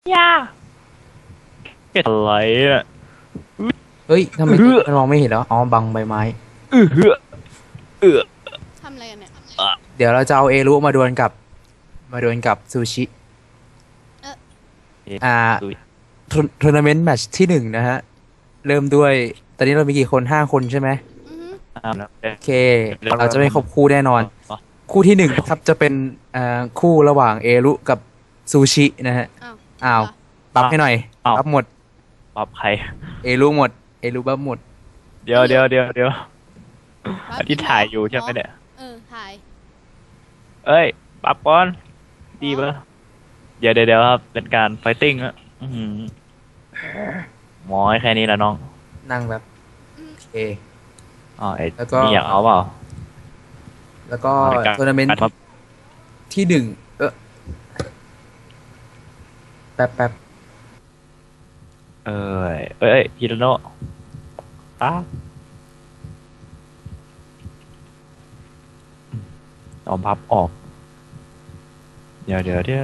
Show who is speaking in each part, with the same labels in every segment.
Speaker 1: ย่าอะไรอ่ะ
Speaker 2: เฮ้ยทำไมมันมองไม่เห็นแล้วอ๋อบังใบไม้
Speaker 1: เออเออ
Speaker 3: ทำอะไรกันเนี่ย
Speaker 2: เดี๋ยวเราจะเอาเอรุมาดวลกับซูชิ
Speaker 3: เออ
Speaker 2: อ่าทัวร์นาเมนต์แมตช์ที่หนึ่งนะฮะเริ่มด้วยตอนนี้เรามีกี่คน5 คนใช่ไหม
Speaker 3: อือฮึ
Speaker 2: โอเคเราจะไม่ครบคู่แน่นอนคู่ที่หนึ่งครับจะเป็นคู่ระหว่างเอรุกับซูชินะฮะ
Speaker 3: อ้าว
Speaker 2: อ้าวบัฟให้หน่อยบัฟหมด
Speaker 1: ปรับใคร
Speaker 2: เอรุหมดเอรุบัฟหมด
Speaker 1: เดี๋ยว
Speaker 3: ปั๊บ
Speaker 1: ที่ถ่ายอยู่ใช่ไหมเนี่ย
Speaker 3: ถ่าย
Speaker 1: เอ้ยปรับก่อนดีปะเดี๋ยวครับเป็นการไฟติ้งอะหมอแค่นี้แหละน้อง
Speaker 2: นั่งแบบโอเค
Speaker 1: อ๋อไอ้
Speaker 2: แล้วก็
Speaker 1: นี่อยากเอาเปล่า
Speaker 2: แล้วก็ทัวร์นาเมนต์ที่หนึ่งแป๊บ
Speaker 1: เอ้ยฮิโรโนะอ้าเอาพับออกเดี๋ยว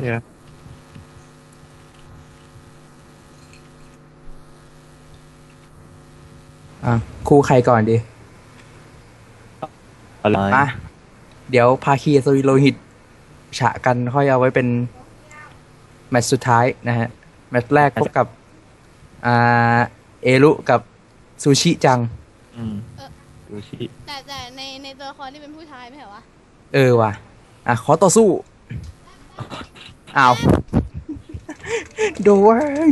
Speaker 2: คู่ใครก่อนดี
Speaker 1: อะไร
Speaker 2: มาเดี๋ยวภาคีสวิโลหิตฉะกันค่อยเอาไว้เป็นแมตช์สุดท้ายนะฮะแมตช์แรกพบกับอ่าเอรุกับซูชิจัง
Speaker 1: ดูชิ
Speaker 3: แต่ในตัวละครที่เป็นผู้ชายไม่เหรอวะ
Speaker 2: ว่ะขอต่อสู้อ้าวโดย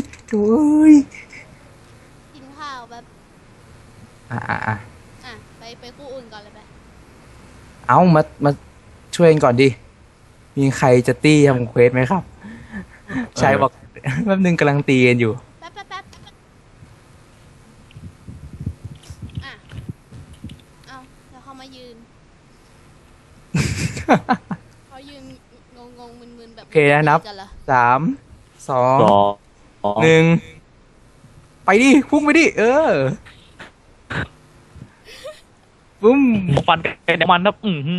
Speaker 3: กินข้าวแบบ
Speaker 2: อ่ะ
Speaker 3: ไปคู่อื่นก่อนเลยไป
Speaker 2: เอามาช่วยกันก่อนดิมีใครจะตี้ทำเควสไหมครับชายบอกแป๊บนึงกำลังตีกันอยู่
Speaker 3: แป๊บอ่ะเอาแล้วเขามายืนเขายืนงงมึนแบบ
Speaker 2: โอเคนะนับ3 2 1ไปดิพุ่งไปดิปุ้ม
Speaker 1: ฟันเป็นมันครับ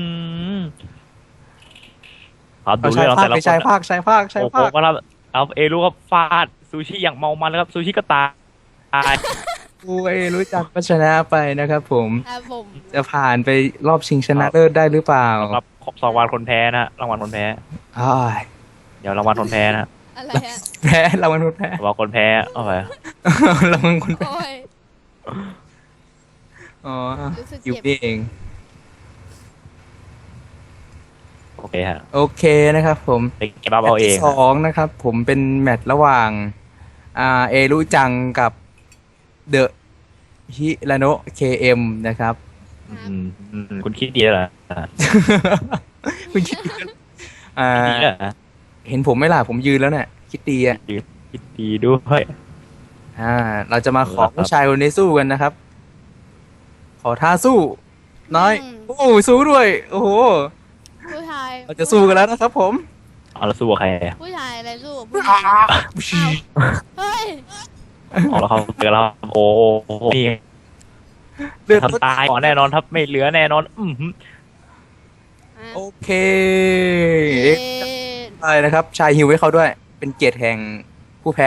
Speaker 1: ครับดูเรื่องแต่ละคน
Speaker 2: ชายภาค
Speaker 1: โอ้โหก็รับเอาเอรู้ครับฟาดซูชิอย่างเมามันแล้วครับซูชิก็ตาย
Speaker 2: กูรู้จักก็ชนะไปนะครับผม
Speaker 3: ผม
Speaker 2: จะผ่านไปรอบชิงชนะเลิศได้หรือเปล่า
Speaker 1: ครับรางวัลคนแพ้นะรางวัลคนแพ้เดี๋ยวรางวัลคนแพ้นะ
Speaker 3: อะไรฮะ
Speaker 2: แพ้รางวัลคนแพ้
Speaker 1: รางวัลคนแพ้เอาไป
Speaker 2: รางวัลคนแพ้อยู่นี่เอง
Speaker 1: โอเคฮะ
Speaker 2: โอเคนะครับผม
Speaker 1: เก็บเอาเอง
Speaker 2: 2นะครับผมเป็นแมตช์ระหว่างเอรุจังกับเดอะฮิราโนะเคเอ็มนะครับ
Speaker 1: คุณคิดดีเหรอ
Speaker 2: คุณคิดเห็นผมไหมล่ะผมยืนแล้วเนี่ยคิดดี
Speaker 1: คิดดีด้วย
Speaker 2: เราจะมาขอผู้ชายคนนี้สู้กันนะครับขอท่าสู้น้อยโอ้สู้ด้วยโอ้โห
Speaker 3: ผู้ชาย
Speaker 2: เราจะสู้กันแล้วนะครับผม
Speaker 1: เราสู้กับใคร
Speaker 3: ผู้ชายอะไรสู้ผู้ชายเฮ้ย
Speaker 1: เราเขาเจอแล้วโอ้นี่ทำตายก่อนแน่นอนทับไม่เหลือแน่นอน
Speaker 2: โอเคใช่นะครับชายฮิวให้เขาด้วยเป็นเกียรติแห่งผู้แพ้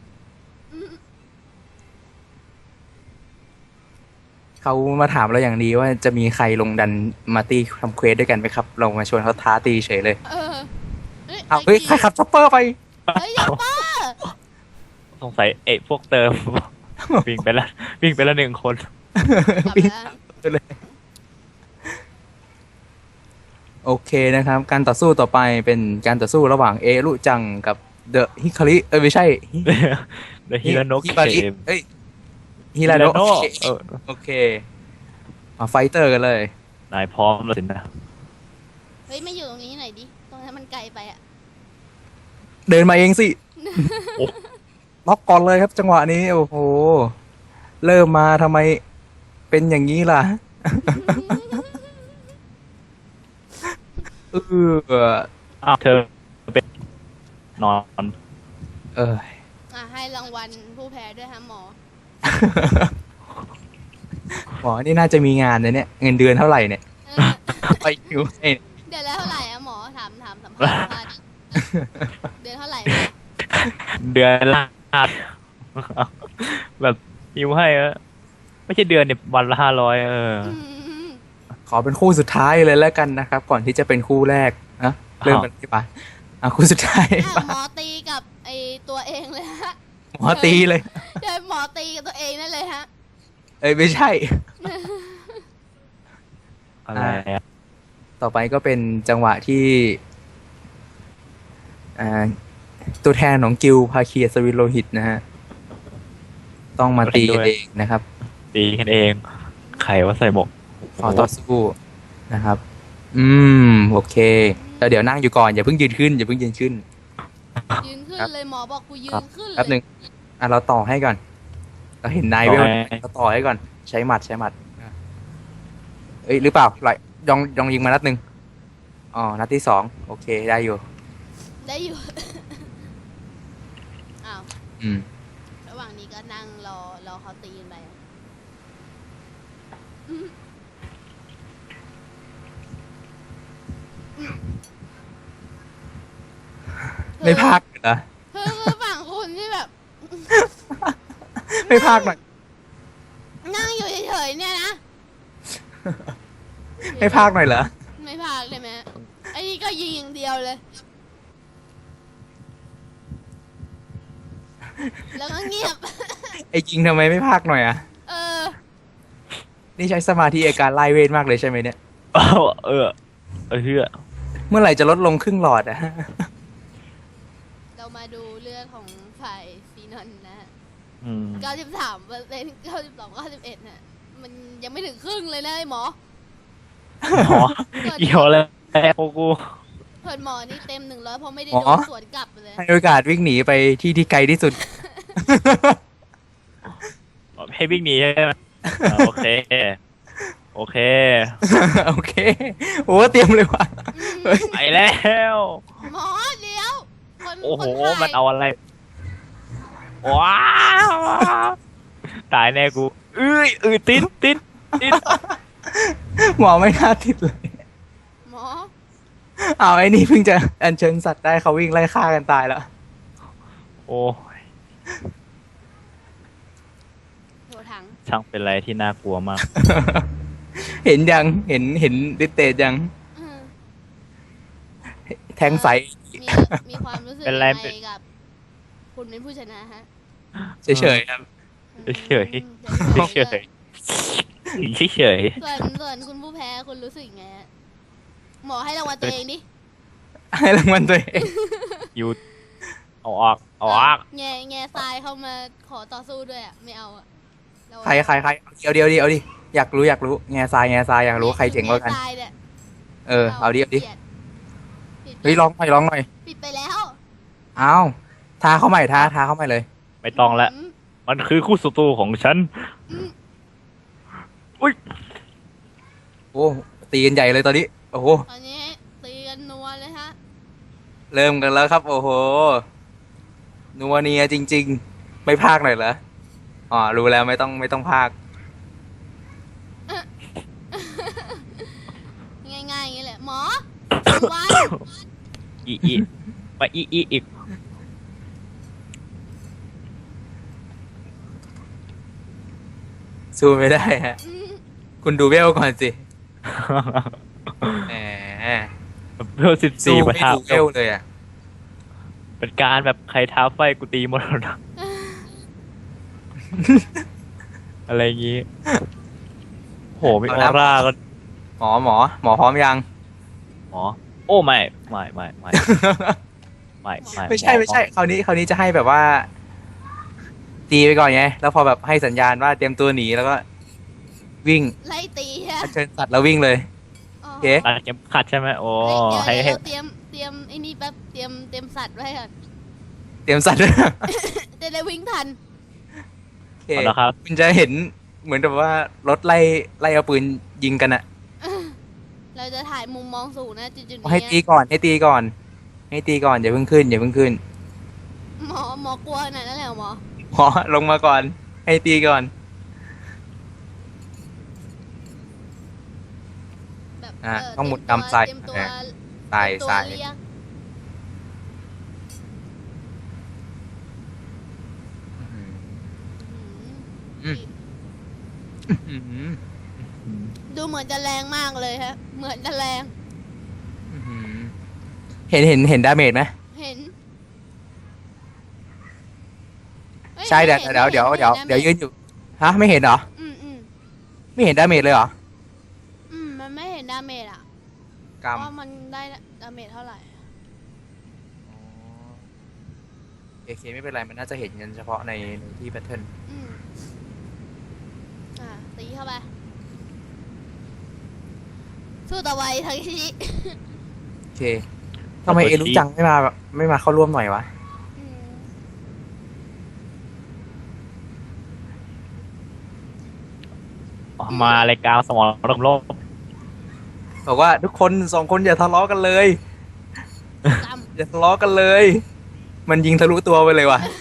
Speaker 2: เขามาถามเราอย่างดีว่าจะมีใครลงดันมาตีทำเควสด้วยกันไหมครับเรามาชวนเขาท้าตีเฉยเลยเฮ้ยใครขับช็อปเปอร์ไป
Speaker 3: เฮ้ยช็อปเปอร์
Speaker 1: สงสัยพวกเติมวิ่งไปแล้ว1 คน
Speaker 2: เลยโอเคนะครับการต่อสู้ต่อไปเป็นการต่อสู้ระหว่างเอรุจังกับเดอะฮิคาริไม่ใช่
Speaker 1: เดอะฮิราโนะเคเอ็ม
Speaker 2: ฮิราโนะโอเคมาไฟเตอร์กันเลย
Speaker 1: นายพร้อมแล้วสินะ
Speaker 3: เฮ้ยไม่อยู่ตรงนี้หน่อยดิตรงนั้นมันไกลไป
Speaker 2: เดินมาเองสิล็อกก่อนเลยครับจังหวะนี้โอ้โหเริ่มมาทำไมเป็นอย่างนี้ล่ะ
Speaker 1: เธอเป็นนอน
Speaker 3: ให้รางวัลผู้แพ้ด้วยฮะหมอ
Speaker 2: หมอนี่น่าจะมีงานเนี่ยเงินเดือนเท่าไหร่เนี่ยไปอยู่
Speaker 3: เดือนละเท่าไหร่อะหมอถามสัมภาษณ์เดือนเท่าไหร่
Speaker 1: เดือนละแบบฮิวให้อะไม่ใช่เดือนเนี่ยวันละ500
Speaker 3: ม
Speaker 2: ขอเป็นคู่สุดท้ายเลยแล้วกันนะครับ ก่อนที่จะเป็นคู่แรกนะเริ่มกันที่ปะคู่สุดท้าย
Speaker 3: อ่ะ
Speaker 2: ปะ
Speaker 3: หมอตีกับไอตัวเองเลยฮะ
Speaker 2: หมอตีเลย
Speaker 3: เดินหมอตีกับตัวเองนั่นเลยฮะ
Speaker 2: เอ้ยไม่ใช่
Speaker 1: อะไรอะ
Speaker 2: ต่อไปก็เป็นจังหวะที่อ่าตัวแทนของกิลด์ภาคีอัศวินโลหิตนะฮะ ต้องมาตีกันเองนะครับ
Speaker 1: ตีกันเองใครว่าใส่หมวก
Speaker 2: ขอต่อสู้นะครับ โอเคแล้วเดี๋ยวนั่งอยู่ก่อนอย่าเพิ่งยืนขึ้นอย่าเพิ่งยืนขึ้น
Speaker 3: ยืนขึ้นเลยหมอบอกกูยื
Speaker 2: ครับ
Speaker 3: นขึ้น
Speaker 2: แป๊บห
Speaker 3: เล
Speaker 2: นึ่
Speaker 3: ย
Speaker 2: งเราต่อให้ก่อน เราเห็นนายเวลเราต่อให้ก่อน ใช้หมัดเอ้ยหรือเปล่าลองยิงมานัดหนึ่งอ๋อนัดที่2โอเคได้อยู่
Speaker 3: ได้อยู่ อ้าว
Speaker 2: อืม
Speaker 3: ระหว่างนี้ก็นั่งรอเขาตีกันไปอะอืม
Speaker 2: ไม่พากเหรอ
Speaker 3: คือฝั่งคุณที่แบบ
Speaker 2: ไม่พากหน่อย
Speaker 3: นั่งอยู่เฉยๆเนี่ยนะ
Speaker 2: ไม่พากหน่อยเหรอ
Speaker 3: ไม่พากเลยไหมไอ้นี่ก็ยิงอย่างเดียวเลย แล้วก็เงียบ
Speaker 2: ไอ้จริงทำไมไม่พากหน่อยอ่ะ
Speaker 3: เออ
Speaker 2: นี่ใช้สมาธิในการไล่เวทมากเลยใช่ไหมเนี่ย
Speaker 1: อ้าวเชื่อ
Speaker 2: เมื่อไหร่จะลดลงครึ่งหลอดอ่ะ
Speaker 3: เรามาดูเลือดของฝ่ายฟีนอนนะฮะ
Speaker 1: อืม
Speaker 3: 93% 92 91น่ะ มันยังไม่ถึงครึ่งเลยนะไอ้หมอ
Speaker 1: หมอเกี่ยวเลยโอ้กู
Speaker 3: เพิ่นหมอนี่เต็ม100เพราะไม่ได้
Speaker 2: หมอ
Speaker 3: โดนสวนกลับเลย
Speaker 2: ให้โอกาสวิ่งหนีไปที่ไกลที่สุด
Speaker 1: ให้วิ่งหนีใช่ไหมโอเค โอเค
Speaker 2: โอเค โอ้เตรียมเลยว่ะ เฮ้ย
Speaker 1: ไปแล้ว
Speaker 3: หมอเดี๋ยว
Speaker 1: โอ้โห
Speaker 3: คนถ่าย
Speaker 1: มันเอาอะไร ว้าวตายแน่กูติด
Speaker 2: หมอไม่น่าติดเลย
Speaker 3: หมอ
Speaker 2: เอาไอ้นี่เพิ่งจะอัญเชิญสัตว์ได้เขาวิ่งไล่ฆ่ากันตายแล้ว
Speaker 1: โอ้
Speaker 3: โถถัง
Speaker 1: ช่างเป็นอะไรที่น่ากลัวมาก
Speaker 2: เห็นยังเห็นดิเตจยัง
Speaker 3: อืม
Speaker 2: แทงใส
Speaker 3: มีความรู้สึก
Speaker 1: เป็น
Speaker 3: ยัง
Speaker 1: ไร
Speaker 3: ไงกับ คุณเป็นผู้ชนะฮะ
Speaker 2: เฉยๆครับ
Speaker 1: เฉย
Speaker 3: อืม
Speaker 1: เฉยเฉย
Speaker 3: ส่วนคุณผู้แพ้คุณรู้สึกยังไงฮะหมอให้รางวัลตัวเองดิ
Speaker 2: ให้รางวัลตัวเอง
Speaker 1: อยู่เอาออก
Speaker 3: แง่ทรายเข้ามาขอต่อสู้ด้วยอ่ะ ไม่เอาอ่ะเรา
Speaker 2: ใครเอาดิอยากรู้แง่ทรายอยากรู้ใครเจ๋งกว่ากัน
Speaker 3: แง่ทรายเนี่ย
Speaker 2: เอาดิ
Speaker 3: ปิ
Speaker 2: เฮ้ยร้องหน่อย
Speaker 3: ปิดไปแล้ว
Speaker 2: เอาทาเข้าใหม่ทาเข้าใหม่เลย
Speaker 1: ไม่ต้องละ
Speaker 3: อืม
Speaker 1: มันคือคู่ศัตรูของฉัน
Speaker 3: อืม
Speaker 2: โอ้ตีกันใหญ่เลยตอนนี้ โอ้โห
Speaker 3: ตอนนี้ตีกันนัวเลยฮะ
Speaker 2: เริ่มกันแล้วครับ โอ้โห นัวเนียจริง ๆ ไม่พากหน่อยเหรอ อ๋อ รู้แล้วไม่ต้องพาก
Speaker 3: ง่ายๆอย่างนี้แหละ หมอวัน
Speaker 1: อีมาอีก
Speaker 2: สู้ไม่ได้ฮะ
Speaker 3: อืม
Speaker 2: คุณดูเวลก่อนสิ แหม
Speaker 1: เพื่อ
Speaker 2: สู้
Speaker 1: 14ประ
Speaker 2: ไม่
Speaker 1: ทา
Speaker 2: ดูเวลเลยอ่ะ
Speaker 1: เป็นการแบบใครท้าไฟกูตีหมดแล้วนะอะไรอย่างงี้โหมีออร่าก็
Speaker 2: หมอพร้อมยัง
Speaker 1: หมอโอ้ไม่
Speaker 2: ไม่ใช่ คราวนี้จะให้แบบว่า ตีไปก่อนไง แล้วพอแบบให้สัญญาณว่าเตรียมตัวหนีแล้วก็ วิ่ง
Speaker 3: ไล่ตีฮะ
Speaker 2: เชิญสัตว์แล้ววิ่งเลย
Speaker 3: อ๋อ
Speaker 2: โอเค
Speaker 1: ตัดเข็มขัดใช่ไหมโอ้
Speaker 3: เฮ้ย
Speaker 1: ให้
Speaker 3: เดี๋ยวเตรียมไอ้นี่แป๊บเตรียมสัตว์ไว้ก่อน
Speaker 2: เตรียมสัตว์ด้วย
Speaker 3: จะได้วิ่งทัน
Speaker 2: โอเค
Speaker 1: เอาละครับ
Speaker 2: คุณจะเห็นเหมือนกับว่ารถไล่เอาปืนยิงกันอะ
Speaker 3: เราจะถ่ายมุมมองสูงนะจุดๆ
Speaker 2: ให้
Speaker 3: นี้
Speaker 2: ตีก่อนอย่าเพิ่งขึ้น
Speaker 3: หมอกลัวขนาดนั้นเลยเหรอหมอ
Speaker 2: หมอลงมาก่อน ให้ตีก่อน
Speaker 3: แบบ
Speaker 2: ต้องหมุน
Speaker 3: เตรีย
Speaker 2: ตามทราย
Speaker 3: เตรียมตัว
Speaker 2: ทราย
Speaker 3: เตรียมตัว
Speaker 2: ทราย
Speaker 3: เรียก
Speaker 2: อืม อื้อหือ
Speaker 3: ดูเหมือนจะแรงมากเลยฮะ เหมือนจะแรง
Speaker 2: อื้อหือเห็นดาเมจไหม
Speaker 3: เห็นอ้
Speaker 2: ใช่เดี๋ยว
Speaker 3: ไม่ห็น
Speaker 2: เดี๋ยว
Speaker 3: ไม่
Speaker 2: เดี๋ยว
Speaker 3: ห็น
Speaker 2: เดี๋ยวยืนอยู่ ฮะ ไม่เห็นเหรอ
Speaker 3: อืม
Speaker 2: ไม่เห็นดาเมจเลยเหรอ
Speaker 3: มันไม่เห็นดาเมจอ่ะ
Speaker 2: กรรม
Speaker 3: ว่ามันได้ดาเมจเท่าไหร่
Speaker 2: โอเคไม่เป็นไร มันน่าจะเห็นกันเฉพาะในที่แพทเทิร์น
Speaker 3: อืมตีเข้าไป สู้ต่อไปทังชิ
Speaker 2: โอเคทำไมเอรู้จังไม่มาเข้าร่วมหน่อยวะ
Speaker 3: อืม
Speaker 1: มารายการสมรโลก
Speaker 2: บอกว่าทุกคน2 คนอย่าทะเลาะกันเลย
Speaker 3: จ
Speaker 2: อย่าทะเลาะกันเลย มันยิงทะลุตัวไปเลยว่ะ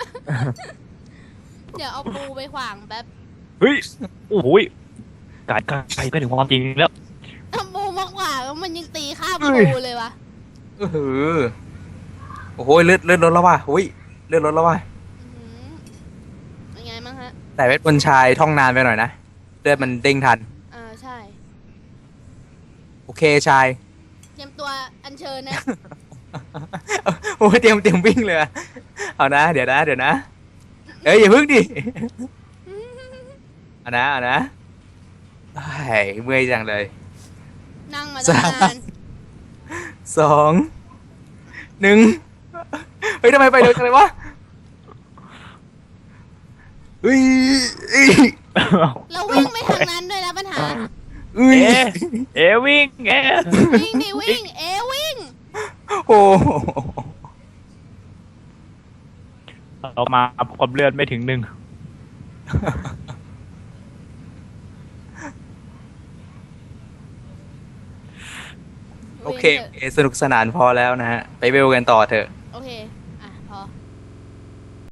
Speaker 3: ำเดี๋ยวเอาปูไปขวางแป๊บ
Speaker 1: เฮ้ยโอ้โหยไกลถึงความจริงแล้ว
Speaker 3: เอาปูมาขวางแล้วมันยังตีข้าม
Speaker 2: เฮ้ย
Speaker 3: ปูเลยวะ
Speaker 2: โอ้โหเลือดลดแล้วว่ะโอ้ยเลือดลดแล้วว่ะ
Speaker 3: อื้อหือเป็นไงบ้างฮะ
Speaker 2: แต่เวทบนต์ชายท่องนานไปหน่อยนะเลือดมันเด้งทัน
Speaker 3: ใช่
Speaker 2: โอเคชาย
Speaker 3: เตรียมตัวอัญเชิญนะ
Speaker 2: โอ้ยเตรียมวิ่งเลยอะเอานะ เดี๋ยวนะเอ้ยอย่าพึ่งดิเอานะไอ้ยเมื่อยจังเลย
Speaker 3: นั่งมาตั้งนาน
Speaker 2: 2 1เฮ้ยทำไมไปเร็วจังเลยวะเฮ้ย
Speaker 3: แล้ววิ่งไปทางนั้นด้วยนะปัญหา
Speaker 2: เอ้ย
Speaker 1: เอวิ่งเอ
Speaker 3: วิ่งดิวิ่ง วิ่ง
Speaker 2: โอ้โห
Speaker 1: เรามาความเลือดไม่ถึง 1
Speaker 2: โอเค สนุกสนานพอแล้วนะฮะ ไปเวลกันต่อเถอะ
Speaker 3: โอเค